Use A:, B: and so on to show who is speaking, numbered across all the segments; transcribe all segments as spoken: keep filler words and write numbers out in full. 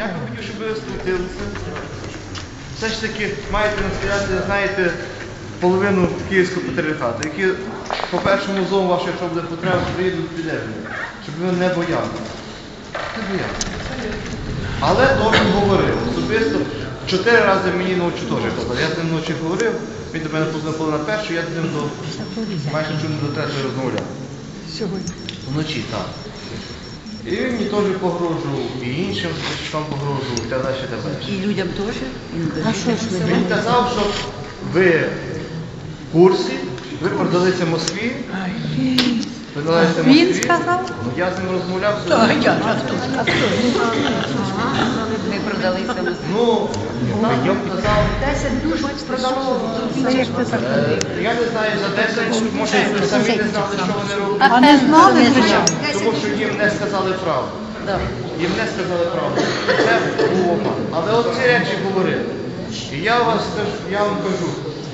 A: Я би хотів, щоб ви сплотилися. Все ж таки маєте настояти, знаєте, половину Київського патріархату, які по першому зову вашу, якщо буде потреба, приїдуть підлежні, щоб ви не боялися. Не боялися. Але теж говорив. Особисто чотири рази мені ночі теж казав. Я з ним ночі говорив, він до мене познайомив на першу, я з ним до майже чому до третьої розмовляв.
B: Сьогодні.
A: Вночі, так. І він мені теж погрожував, і іншим вам погрожував, і так далі, і так далі.
B: І людям теж?
C: А що ж ви?
A: Він казав, що ви в курсі, ви продалися Москві, ви продалися Москві.
B: Він сказав?
A: Ну, я з ним розмовляв.
B: Так, я а хто? Ми продалися в Москві.
A: Ну, він казав,
C: Десять душ продало.
A: е, я не знаю, за десять, може, ви самі не знали, що вони роблять.
B: А не знали, звичайно.
A: Тому що їм не сказали правду. Їм не сказали правду. Це був обман. Але от ці речі говорили. І я, вас, теж- я вам кажу,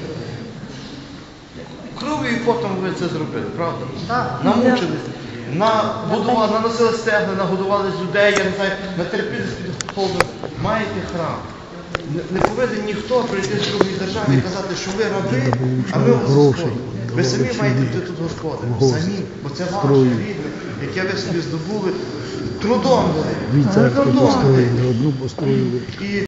A: кров'ю і потом ви це зробили, правда? Намучилися. Набудували, наносили стегна, нагодували людей, я не знаю, натерпілися під холодом. Маєте храм. Не, не повинен ніхто прийти з другої держави і казати, що ви раби, а ми вас господи. Ви самі маєте бути тут господи. Самі, бо це ваше рідне, яке ви собі здобули трудом.
D: Дві церкви
A: Трудом.
D: построїли, одну построїли.
A: І